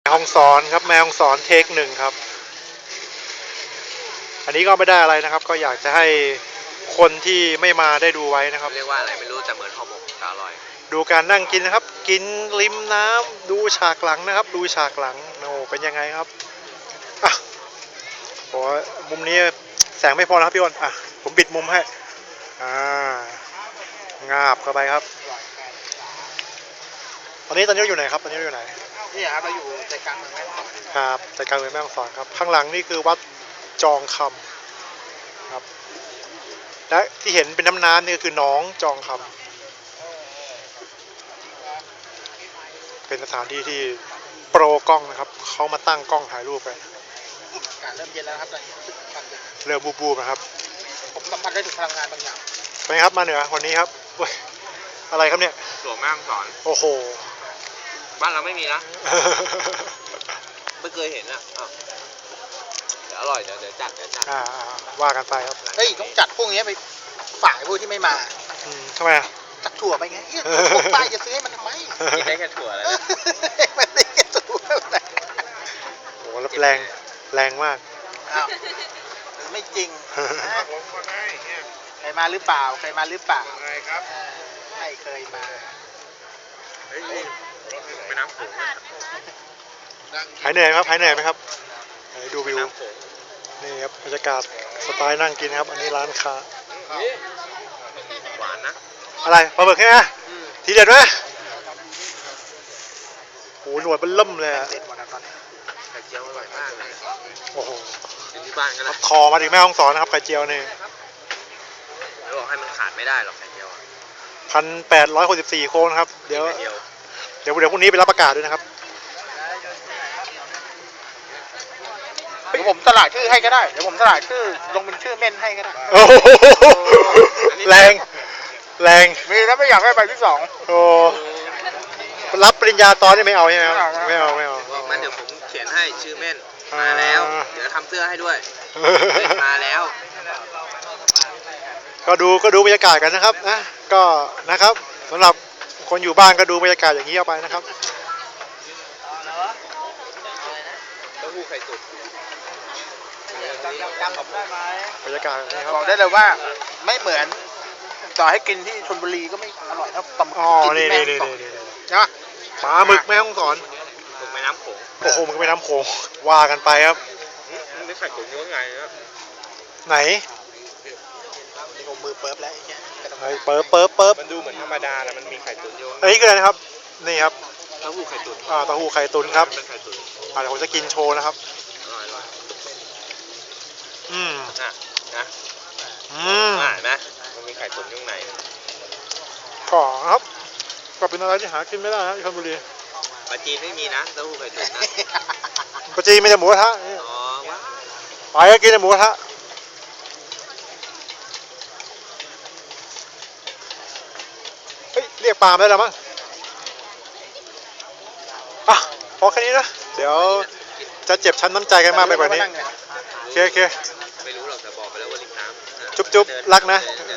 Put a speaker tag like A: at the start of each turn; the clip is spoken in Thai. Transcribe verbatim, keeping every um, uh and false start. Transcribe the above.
A: ฮ่องสอนครับแม่ฮ่องสอนเทคหนึ่งครับอันนี้ก็ไม่ได้อะไรนะครับก็อยากจะให้คนที่ไม่มาได้ดูไว้นะครับ
B: เรียกว่าอะไรไม่รู้แต่เหมือนห่อหมกอร่อย
A: ดูการนั่งกินนะครับกินริมน้ำดูฉากหลังนะครับดูฉากหลังโอ้เป็นยังไงครับอ่ะโอ้มุมนี้แสงไม่พอนะครับพี่อ้นอ่ะผมบิดมุมให้อ่างาบเข้าไปครับตอนนี้ตอนนี้อยู่ไหนครับตอนนี้อยู่ไหน
C: นี่ครับเราอยู่ใจกลางเมืองแม่ฮ่องสอน
A: ครับใจกลางเมืองแม่ฮ่องสอนครับข้างหลังนี่คือวัดจองคำครับและที่เห็นเป็นน้ำน้ำนี่ก็คือน้องจองคำเป็นสถานที่ที่โปรกล้องนะครับเขามาตั้งกล้องถ่ายรูปกัน
C: อากาศเริ่มเย็นแล้วครับตอนนี้
A: เริ่มบูบๆนะครับ
C: ผมสัมผัสได้ถึงพลังงานบางอย่าง
A: ไปครับมาเหนือวันนี้ครับอะไรครับเนี่ย
B: หลวงแม่ฮ่องสอน
A: โอ้โห
B: บ้านเราไม่มีนะไม่เคยเห็นอ่ะเดี๋ยวอร่อยเดี๋ยวเดี๋ยวจัดเดี๋ยวจัด
A: อ่าว่ากันไปครับ
C: เฮ้ยต้องจัดพวกนี้ไปฝ่ายพวกที่ไม่มา
A: ทำไมอ่ะ
C: จัดถั่วไปไงพวกป้ายจะซื้อให้มันทำไม
B: กินได้แค่ถั่วแล้ว
C: มันได้แค่ถั่ว
A: โอ้โหแรงแรงมาก
C: อ้าวไม่จริงเคยมาหรือเปล่าเคยมาหรือเปล่า
B: ครับ
C: ไม่เคยมา
B: ไม่น้ำโขง
A: หายเหนื่อยครับหายเหนื่อยไหมครับดูวิวนี่ครับบรรยากาศสไตล์นั่งกินครับอันนี้ร้านค้า
B: หวานนะ
A: อะไรปลาหมึกใช่ไหมทีเด็ดไหมโอ้หนวดมันล่มเลยอะ
B: ไข่เจียวอร่อยมากเลย
A: โอ้โห
B: ที่บ้านก็ได้
A: คอมาถึงแม่ฮ่องสอนนะครับไข่เจียวนี่
B: แล้วบอกให้มันขาดไม่ได้หรอกไข่เจียว
A: พันแปดร้อยหกสิบสี่โคนครับเดี๋ยวเดี๋ยวเดี๋ยวพรุ่งนี้ไปรับประกาศด้วยนะครับ
C: เดี๋ยวผมสลายชื่อให้ก็ได้เดี๋ยวผมสลายชื่อลงเป็นชื่อเม่นให้ก็ได้
A: โอ้แรงแรง
C: มีแล้วไม่อยากให้ไปที่สอง
A: โอ้รับปริญญาตอนนี่ไม่เอาใช่ไหมไม่เอาไม่เอา
B: บอกมันเดี๋ยวผมเขียนให้ชื่อเม่นมาแล้วเดี๋ยวทำเสื้อให้ด้วยมาแล้ว
A: ก็ดูก็ดูบรรยากาศกันนะครับนะก็นะครับสำหรับคนอยู่บ้านก็ดูบรรยากาศอย่างนี้เอาไปนะครับ
B: เต้าหู้ไข่ตุ๋น
C: จำผมได้ไหม
A: บรรยากาศนี่ครับ
C: บอกได้เลยว่าไม่เหมือนต่อให้กินที่ชลบุรีก็ไม่อร่อยเท่าปลาหมึก
A: ที่แม่ฮ่องสอนใช่ไหมปลาหมึกแม่ฮ่องสอน
B: หมึกแม่น้ำโขง
A: โอ้โหมึงแม่น้ำโขงว่ากันไปครับ
B: นี่ไข่ตุ๋นยังไงครับ
A: ไหน
C: นี่ผมมือเปิบแล้ว
A: ไอ้เปิบเปิบเปิบ
B: มันดูเหมือนธรรมดาแต่มันมีไข่ตุ๋นอยู่
A: อันนี้คืออะไรนะครับนี่ครับ
B: เต้าหู้ไข่ตุ๋น
A: อ่าเต้าหู้ไข่ตุ๋นครับอ่าเดี๋ยวผมจะกินโชว์นะครับอืม
B: นะนะ
A: อืม
B: อ่านะมันมีไข่ตุ๋นอยู่ไหน
A: ขอครับก็เป็นอะไรที่หากินไม่ได้ฮะที่ชลบุรี
B: ปลาจีนไม่มีนะเต้าหู้ไข่ตุ๋นนะ
A: ปลาจีนไม่ใช่หมูกระทะ
B: อ๋อ
A: ไปก็กินแต่หมูกระทะเฮ้ยเรียกปลาได้แล้วมั้งอ่ะพอแค่นี้นะเดี๋ยวจะเจ็บช้ำน้ำใจกันมากไปกว่านี้โอเคโอเค
B: ไม่รู้หรอกแต่บอกไปแล้วว่าริมน้ำ
A: จุ๊บจุ๊บรักนะ